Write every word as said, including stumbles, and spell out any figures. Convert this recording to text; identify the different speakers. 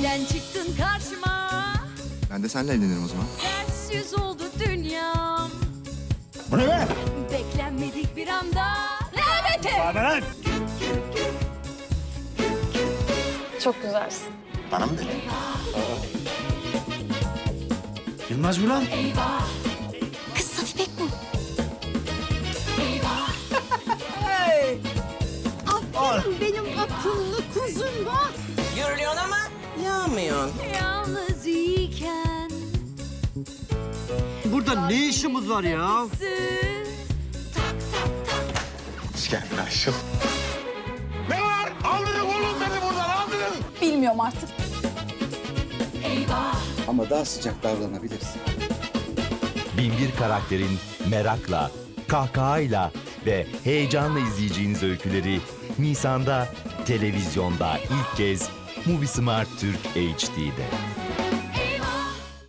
Speaker 1: Aniden çıktın karşıma.
Speaker 2: Ben de seninle evlenirim o zaman.
Speaker 1: Ters yüz oldu dünyam.
Speaker 3: Bu ne be?
Speaker 1: Beklenmedik bir anda. Laneti!
Speaker 3: Bana lan!
Speaker 4: Çok güzelsin.
Speaker 3: Bana mı dedin? Yılmaz mı lan?
Speaker 1: Kız Safi Pek bu.
Speaker 5: Aferin benim akıllı kuzum bak.
Speaker 6: Yürülüyorsun ama yağmıyorsun.
Speaker 1: Yalnız iken.
Speaker 7: Burada ne işimiz var ya?
Speaker 1: Tak tak tak.
Speaker 3: Hoş geldin Ayşıl. Ne var? Aldırın oğlum beni buradan, aldırın!
Speaker 4: Bilmiyorum artık.
Speaker 8: Ama daha sıcak davranabilirsin.
Speaker 9: Binbir karakterin merakla, kahkahayla ve heyecanla izleyeceğiniz öyküleri Nisan'da televizyonda ilk kez Movie Smart Türk H D'de.